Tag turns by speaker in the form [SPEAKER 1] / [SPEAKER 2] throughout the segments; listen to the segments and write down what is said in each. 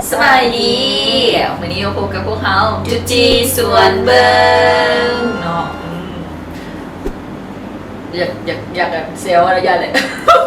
[SPEAKER 1] สบายดีวันนี้เราพบกับพวกเขาจุจีสวนเบิงเนาะอยากเซลอะไรอย่างเลย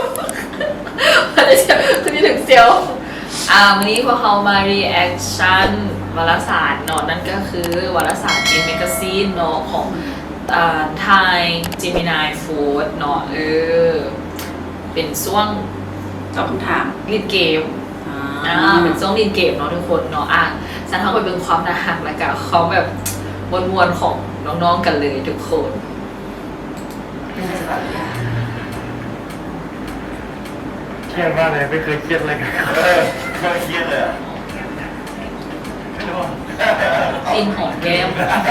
[SPEAKER 1] คุณนี่ถึงเซลวันนี้พวกเขามา reaction วารสารเนาะนั่นก็คือวารสาร In Magazine เนาะของไทย Gemini Food เนาะเป็นช่วง
[SPEAKER 2] ตอบคำถาม
[SPEAKER 1] เล่นเกมเป็นช่วงเล่นเกมเนาะทุกคนเนาะฉันเข้าไปเป็นความน่ารักแล้วก็เขาแบบมวลๆของน้องๆกันเลยทุกคน
[SPEAKER 3] เครียดมากเลยไม่เคยเครียดอะไรกัน
[SPEAKER 4] เคยเครียดเลยอ่ะ
[SPEAKER 1] กินหอมแก้ม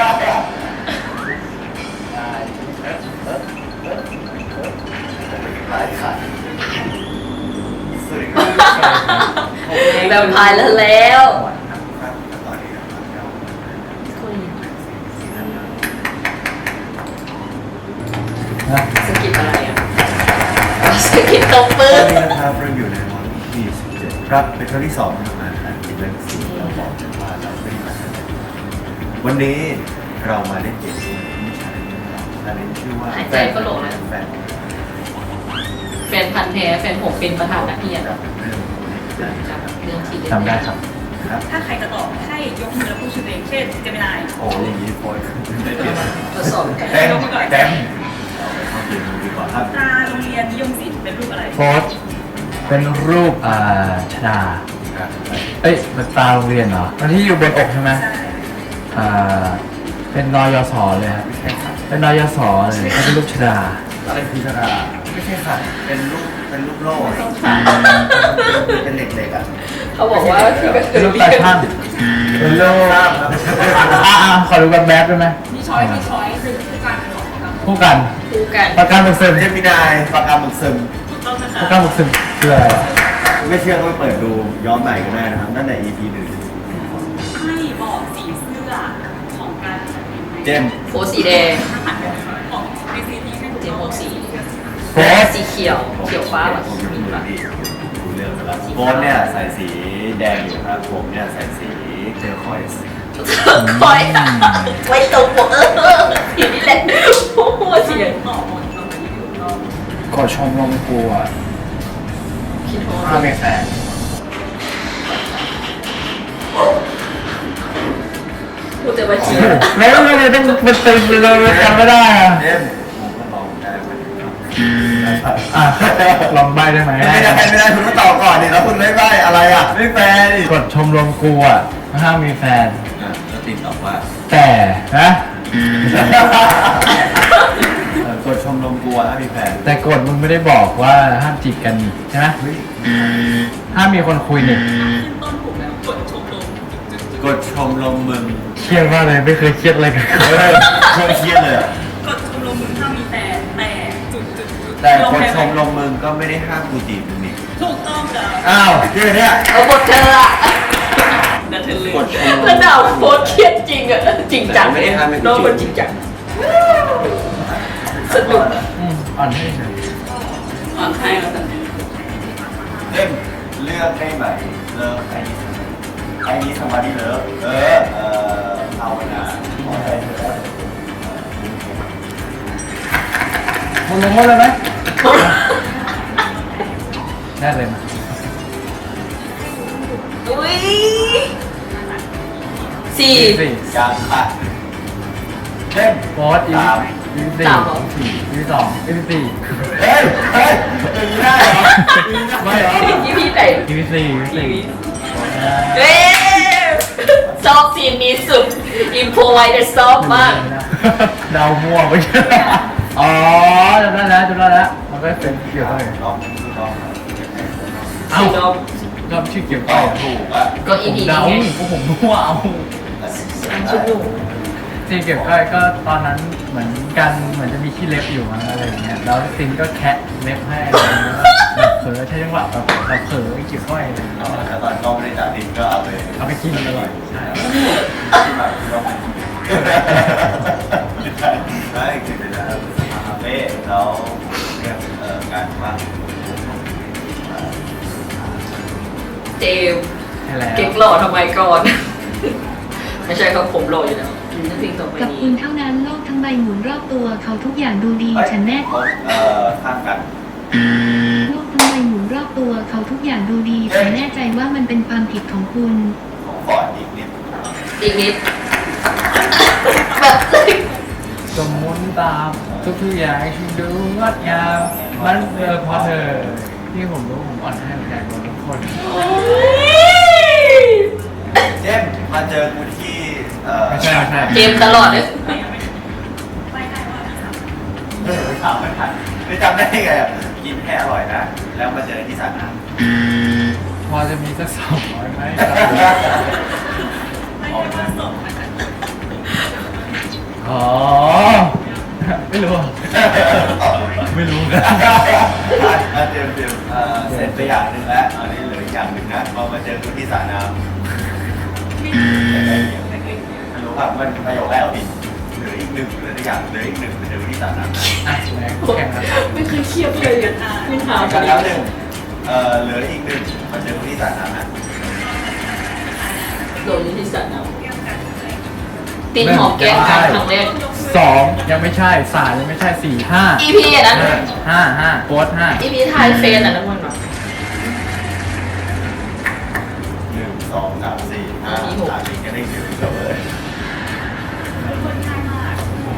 [SPEAKER 1] แบบพายแล้วสกิปอะไรอ่ะสกิปตบปืน
[SPEAKER 4] ตอนนี้นะครับเราอยู่ในวันที่17ครับเป็นครั้งที่2ที่ทำงานการกินเล่นสีเราบอกกันว่าเราไม่มาวันนี้เรามาเล่นเกมด้วยไม่ใช่อันนี้ชื่อว่า
[SPEAKER 1] หายใจก็หลงนะแฟนพันธุ์แท้แฟนผมเป็นประธานนักเรียนเรื่องที่
[SPEAKER 3] จำได้ครับ
[SPEAKER 2] ถ้าใครจะตอบให้ยกมือแล้วพูดชื่อเองเช่นเจมินาย
[SPEAKER 4] โอ้ยอย่างนี้โปรยได้เปลี่ยน
[SPEAKER 1] ทดสอบกัน
[SPEAKER 4] เต็มเอาเปลี่ยนดีกว่าครับ
[SPEAKER 2] ตาโรงเรียนนิยมศิลป์เป็นรูปอะไร
[SPEAKER 3] โพสเป็นรูปชดาเอ้ยเป็นตาโรงเรียนเหรอมันที่อยู่บนอกใช่ไหมเป็นนยศเลยครับเป็นนยศเลยเขาเป็นรูปชดา
[SPEAKER 4] อะไรคือชดาไม่ใช่ค่ะเป็นรูปโล่เป็นเหล็กๆอ่ะ
[SPEAKER 1] เขาบอกว่า
[SPEAKER 3] เป็นรูปตาช่างเป็นรูปขอดูแบบแบบได้ไหม
[SPEAKER 2] มีช้อยคือคู่กัน
[SPEAKER 3] ประกันมึกซึม
[SPEAKER 4] เจมินายปากกาหมึกซึม
[SPEAKER 3] ประกันมึกซึมคืออะไร
[SPEAKER 4] ไม่เชื่อก็ไปเปิดดูย้อนใหม่ก็ได้นะครับตั้งแต่ EP 1
[SPEAKER 2] ให้บอกสีเสื้อของการ
[SPEAKER 4] เจม
[SPEAKER 1] โฟสีแดง
[SPEAKER 2] ของในซีนี้ให้
[SPEAKER 1] เจมโฟสี
[SPEAKER 3] โฟ
[SPEAKER 1] สีเขียวฟ้าแบบ
[SPEAKER 4] มีแบบดูเรื่องแล้วโฟนเนี่ยใส่สีแดงอยู่ครับผมเนี่ยใส่สีเทอร์คอยส์
[SPEAKER 1] คอยไว้ตรงปกทีนี้แหละโอ้โหเสียง
[SPEAKER 3] กดชมรมครูอ่ะถ้าไม่แฟน
[SPEAKER 1] พูดแต่ว่าชี้
[SPEAKER 3] แล้วไม่ได้ต้องเป็นตึงเลยจำไม่ได้อ่ะลองใบได้ไหม
[SPEAKER 4] ไม่ได้คุณก็ตอบก่อนดิแล้วคุณไม่ใบอะไรอ่ะไม่แฟน
[SPEAKER 3] กดชมรมครูอ่ะห้ามมีแฟน
[SPEAKER 4] แล้วติดตอบว่า
[SPEAKER 3] แต่นะ
[SPEAKER 4] กดชมรมกูห้ามมีแฟน
[SPEAKER 3] แต่กดมึงไม่ได้บอกว่าห้ามจีบกันใช่ไหมห้ามมีคนคุยนี่
[SPEAKER 2] ต้นถูกแล้ว
[SPEAKER 4] กดชมรมมึง
[SPEAKER 3] เครียดมากเลยไม่เคยเครียดอะไรกัน
[SPEAKER 4] เครียดเลย
[SPEAKER 2] กดชมรมมึงห้ามมีแฟน
[SPEAKER 4] แต่กดชมรมมึงก็ไม่ได้ห้ามกูจีบมึงนี่
[SPEAKER 2] ถูกต้องจ้ะ
[SPEAKER 4] อ้าวที่เนี่ย
[SPEAKER 1] เอาบทเธออะ
[SPEAKER 4] กดชมรม
[SPEAKER 1] แล้วดาวโพสเครียดจริงอะจริงจัง
[SPEAKER 4] ไม่ได้ห้าม
[SPEAKER 1] น้องมันจริงจังสนุก
[SPEAKER 3] อ่อนให้เฉย
[SPEAKER 2] อ่อนให้แล้วกัน
[SPEAKER 4] เล่มเลือกได้ไหมเลิกไอ้นี้สมาธิเลิกภาวนาขอใจเธอ
[SPEAKER 3] มึงลงมาเลยไหมแน่เลยมั้ย
[SPEAKER 1] อุ้ยสี่
[SPEAKER 4] ยังค่ะเล่ม
[SPEAKER 3] โพสอีพี4 EP 2 EP 4
[SPEAKER 4] เฮ้ยอย่างนี้ได้เหรอไม่เหรอ
[SPEAKER 1] EP ไหน
[SPEAKER 3] EP 4
[SPEAKER 1] เฮ้ชอบซีนนี้สุดอิมโพไวแต่ชอบมาก
[SPEAKER 3] ดาวมั่วไปอ๋อจำได้แล้วมันก็เป็นเกี่ยวกับ
[SPEAKER 1] เอา
[SPEAKER 3] รอบชื่อเกี่ยวกับ
[SPEAKER 4] ถูกอ่ะ
[SPEAKER 1] ก็อีพี
[SPEAKER 3] นี้ผมมั่วเอาซีเก็บก็ตอนนั้นเหมือนกันเหมือนจะมีขี้เล็บอยู่อะไรอย่างเงี้ยแล้วซินก็แคะเล็บให้แบบเผลอใช้จังหวะแบบเราเผลอเกี่ยวก้อยเลย
[SPEAKER 4] แต่ตอนกล้องไม่ได้จับซินก็เอา
[SPEAKER 3] ไปกินอร่อยใช่
[SPEAKER 4] ที่แบบได้คือเป็นคาเฟ่แล้วเรื่องการว่า
[SPEAKER 1] เจล
[SPEAKER 3] ช่แล้ว
[SPEAKER 1] เก๊กหล่อทำไมก่อน ไม่ใช่ครับผมหล่ออยู่แล้วเพลงต่อไป
[SPEAKER 5] กับ
[SPEAKER 1] นี้
[SPEAKER 5] คุณเท่านั้นโลกทั้งใบหมุนรอบตัวเขาทุกอย่างดูดีฉันแน่
[SPEAKER 4] ข้างกัน
[SPEAKER 5] โลกทั้งใบหมุนรอบตัวเขาทุกอย่างดูดีฉันแน่ใจว่ามันเป็นความผิดของคุณ
[SPEAKER 4] ของฟอร์ดอีกนิด
[SPEAKER 1] อีกนิด แบบ
[SPEAKER 3] สมมุนตามทุกๆอย่างฉันดูงดงามมันเพราะเธอที่ผมรู้ผมอ่อนให้ใจกว่าทุกคน
[SPEAKER 4] เจมส์มาเจอกูที่
[SPEAKER 3] ไม่ใช่
[SPEAKER 1] เกมตลอดเลย
[SPEAKER 4] ไม่ถามไม่ทันไม่จำได้ไงอ่ะกินแค่อร่อยนะ แล้วมาเจอที่สระน้
[SPEAKER 3] พอจะมีสัก200ไหม
[SPEAKER 2] ไม่ใช่ว่าสดมันจะ
[SPEAKER 3] อ๋อไม่รู้
[SPEAKER 4] ำ
[SPEAKER 3] ไม่รู้
[SPEAKER 4] เตรียมเสร็จไปอย่างหนึ่งแล้วอันนี้เหลืออีกอย่างหนึ่งนะพอมาเจอกูที่สระน้ำไม่รู้ครับมันประโยคแรกเอาผิดเหลืออีกหนึ่งเหลืออีกอย่างเหลืออีกหนึ่งมาเจอกูที่สระน้ำ
[SPEAKER 3] อ่ะแรงแข่งครับ
[SPEAKER 1] ไม่เคยเครียดเลยอ่ะคุณถาม
[SPEAKER 4] กันแล้วหนึ่งเหลืออีกหนึ่งมาเจอกูที่สระน้ำนะ
[SPEAKER 1] โดนที่สัตว์นะตีนหอมแก้มกันครั้งแรก
[SPEAKER 3] 2ยังไม่ใช่3ยังไม่ใช่4 5
[SPEAKER 1] EP อ่ะนะ
[SPEAKER 3] 5โค้ด5
[SPEAKER 1] EP ไทยเฟนอ่ะนะมันแบบ
[SPEAKER 4] 1 2 3 4 5 3 4ก็ได้หนึ่งจบเลย
[SPEAKER 2] เป็นคนง่ายมาก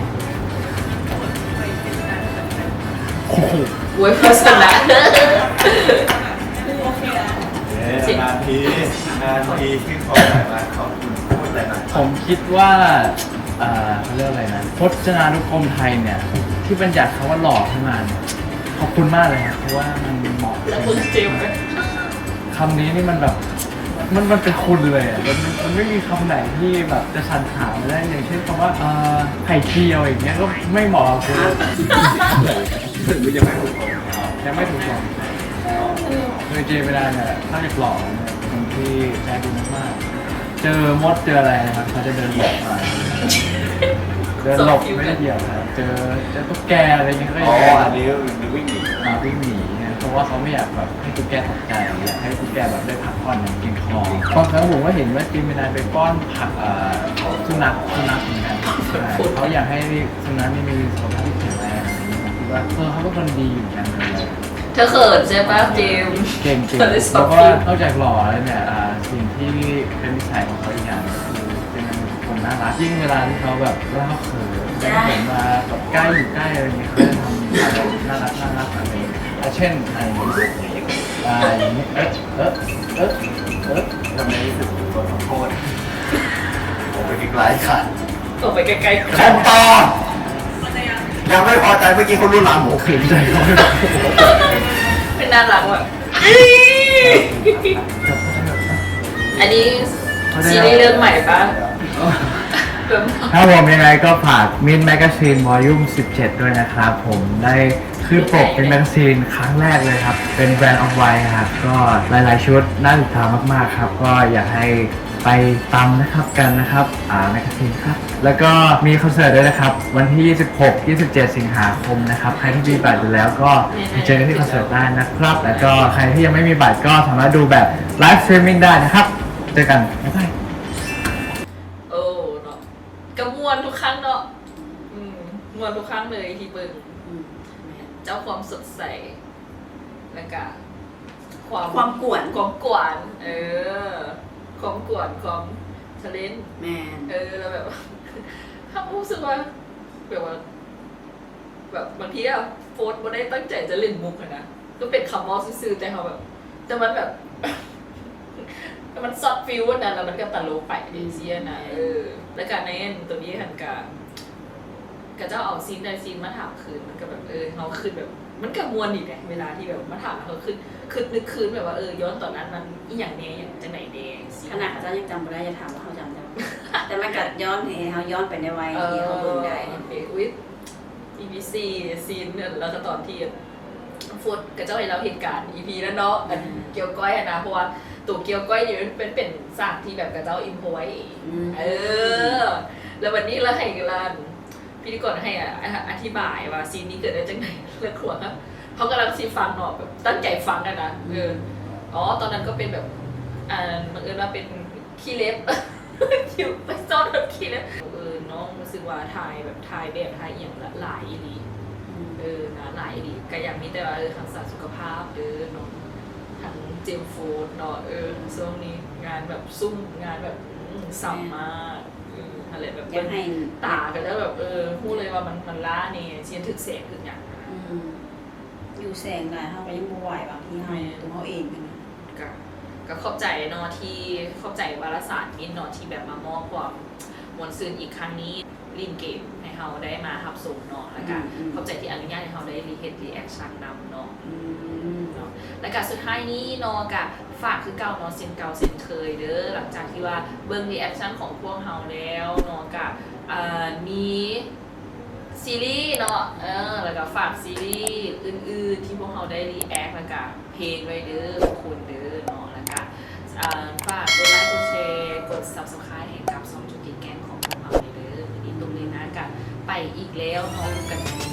[SPEAKER 3] โอ้โห
[SPEAKER 1] เว้ยโฆษณา
[SPEAKER 2] คือโอเคแล้ว
[SPEAKER 4] นานทีที่ขอหน่อยมาขอบคุณพูดอะไรหน่อย
[SPEAKER 3] ผมคิดว่าเขาเรียกอะไรนะพจนานุกรมไทยเนี่ย ที่บัญญัติคำว่าหล่อขึ้นมาเนี่ยขอบคุณมากเลยครับเพราะว่ามันเหมาะ
[SPEAKER 1] แล้วคุณเจมส์ไหม
[SPEAKER 3] คำนี้นี่มันแบบมันเป็นคุณเลยอ่ะมันไม่มีคำไหนที่แบบจะชันถามได้อย่างเช่นคำว่าไข่เจียวอย่างเงี้ยก็ไม่เหมาะกับคุณ
[SPEAKER 4] ถึงมันยังไม่ถูกต้อง
[SPEAKER 3] ยังไม่ถูกต้องคือเจเวลาเนี่ยถ้าจะหล่อเนี่ยคนที่ใจดีมากๆเจอมดเจออะไรนะครับเขาจะเดินหลบมาเดินหลบไม่ได้เดี่ยวนะเจอตุ๊กแกอะไรเงี้ยก็
[SPEAKER 4] อ๋อ
[SPEAKER 3] จะ
[SPEAKER 4] อันนี้วิ่งหนี
[SPEAKER 3] วิ่งหนีนะเพราะว่าเขาไม่อยากแบบให้ตุ๊กแกตกใจอยากให้ตุ๊กแกแบบได้พักผ่อนอย่างเพียงพอบางครั้งผมก็เห็นว่าจีมินายไปป้อนผักสุนัขเหมือนกันใช่เขาอยากให้สุนัขนี่มีสุขภาพที่แข็งแรงอะไรอย่างเงี้ยผมคิดว่าเขาเป็นคนดีอยู่กันเลย
[SPEAKER 1] เธอเขินใช่ปะเจมส์
[SPEAKER 3] เก่งจริง
[SPEAKER 1] เธอได้สอ
[SPEAKER 3] แล้ว
[SPEAKER 1] บ
[SPEAKER 3] ก็
[SPEAKER 1] พี่
[SPEAKER 3] นอกจากหล่อแล้วเนี่ยสิ่งที่เป็นนิสัยของเขาอีกอย่างคือเป็นคนน่ารักยิ่งเวลาที่เขาแบบเล่าเขินเหมือนมาแบบใกล้อยู่ใกล้อะไรอย่างเงี้ยเขาจะทำอะไรน่ารักอะไรเช่นอะไรอย่างเงี้ย
[SPEAKER 4] ทำไมรู้สึกถึงตัวขอโทษผมไปไกลๆค่ะ
[SPEAKER 1] ออกไปไกลๆ
[SPEAKER 4] แคมต่อยังไม่พอใจเมื่อกี้เขารุนแรงผม
[SPEAKER 3] ขืนใจเขาไม่ได้
[SPEAKER 1] เป็นน่ารักว่ะอันนี้ซีรีส์เรื่องใหม่ปะ
[SPEAKER 3] ถ้าผมยังไงก็ฝากมินแมกกาซีนวอลลุ่ม17 ด้วยนะครับ ผมได้ขึ้นปกเป็นแมกกาซีนครั้งแรกเลยครับ เป็นแบรนด์ออฟไวท์ครับ ก็หลายๆชุดน่าติดตามมากๆครับ ก็อยากให้ไปตามนะครับกันนะครับแมกกาซีนครับ แล้วก็มีคอนเสิร์ตด้วยนะครับ วันที่ 26-27 สิงหาคมนะครับ ใครที่มีบัตรอยู่แล้วก็ไปเจอกันที่คอนเสิร์ตได้นะครับ แล้วก็ใครที่ยังไม่มีบัตรก็สามารถดูแบบไลฟ์สตรีมมิ่งได้นะครับ เจอกันบ๊ายบาย
[SPEAKER 1] โอ้เนาะกระมวลทุกครั้งเนาะมวนทุกครั้งเลยที่เบิ่งเจ้าความสดใสแล้วก็
[SPEAKER 2] ความกวน
[SPEAKER 1] ความกวนความกวนความทะเลน
[SPEAKER 2] แมน
[SPEAKER 1] แล้วแบบ ถ้ารู้สึกว่าแบบว่าแบบบางทีอะโฟร์ไม่ได้ตั้งใจจะเล่นมุกอะนะก็เป็นคำมอซื่อๆแต่เขาแบบแต่มันแบบ แต่มันซอฟฟิลนะแล้วมันก็ตลกไปเดซี่นะแล้วการในตัวนี้หันกับเจ้าเอาซีนใดซีนมาถามคืนมันก็แบบเขาคืนแบบมันก็มวนอีกแหละเวลาที่แบบมาถามเขาคืนนึกคืนแบบว่าย้อนตอนนั้นมันอีอย่างเนี้ยอย่างจะไหนเนี้ย
[SPEAKER 6] ขนาดเขายังจำไม่ได้จะถามว่าเขาจำได้ แต่มันกัดย้อนให้เขาย้อนไปในวัยที่เขาเบิ่งได้
[SPEAKER 1] โอเคอุ้ย EBC ซีนเนี่ยแล้วก็ตอนที่โฟดกับเจ้าไอ้เราเหตุการณ์ EP นั้นเนาะอันเกี่ยวก้อยนะเพราะว่าตัวเกี่ยวก้อยเนี่ยเป็นสากที่แบบกับเจ้าอิมพไว้แล้ววันนี้เราให้กันพิธีกรให้อธิบายว่าซีนนี้เกิดได้จากไหนแล้วขวดครับเขากำลังซีฟังเนาะแบบตั้งใจฟังกันนะอ๋อตอนนั้นก็เป็นแบบบังเอิญว่าเป็นขี้เล็บ คิวไปซ่อนแบบขี้เล็บน้องรู้สึกว่าถ่ายแบบถ่ายแบบถ่ายอย่างหลายอีหลีนะหลายอีหลีก็ยังมีแต่ว่าทางสารสุขภาพเนาะทางเจมโฟดเนาะช่วงนี้งานแบบซุ่มงานแบบซ้ำมากอะไรแบบ
[SPEAKER 6] อยากให้
[SPEAKER 1] ตากันแล้วแบบพูดเลยว่ามันล้าเนี่ยเชียนถึกแสงถึกอย่าง
[SPEAKER 6] อยู่แสงหลายเขาก็ยังบ่ไหวบางทีเขาตัวเขาเองกันนะ
[SPEAKER 1] ก็ขอบใจเนาะที่ขอบใจวารสารมินเนาะที่แบบมามอบความมวลซืนอีกครั้งนี้ลินเกมให้เราได้มาทับส่งเนาะแล้วก็ขอบใจที่อนุญาตให้เราได้รีแอคชั่นนำเนาะแล้วก็สุดท้ายนี้เนาะก็ฝากคือเก่าเนาะเซนเก่าเซนเคยเด้อหลังจากที่ว่าเบิ่งรีแอคชั่นของพวกเราแล้วเนาะก็มีซีรีส์เนาะแล้วก็ฝากซีรีส์อื่นๆที่พวกเราได้รีแอคแล้วก็เพลงไว้เด้อทุกคนเด้อเนาะแล้วก็ฝากกดไลค์กดแชร์กด Subscribe ให้กับ2จุดติดแกงของพวกเราเด้อวันนี้ตรงนี้นะกับไปอีกแล้วเนาะกัน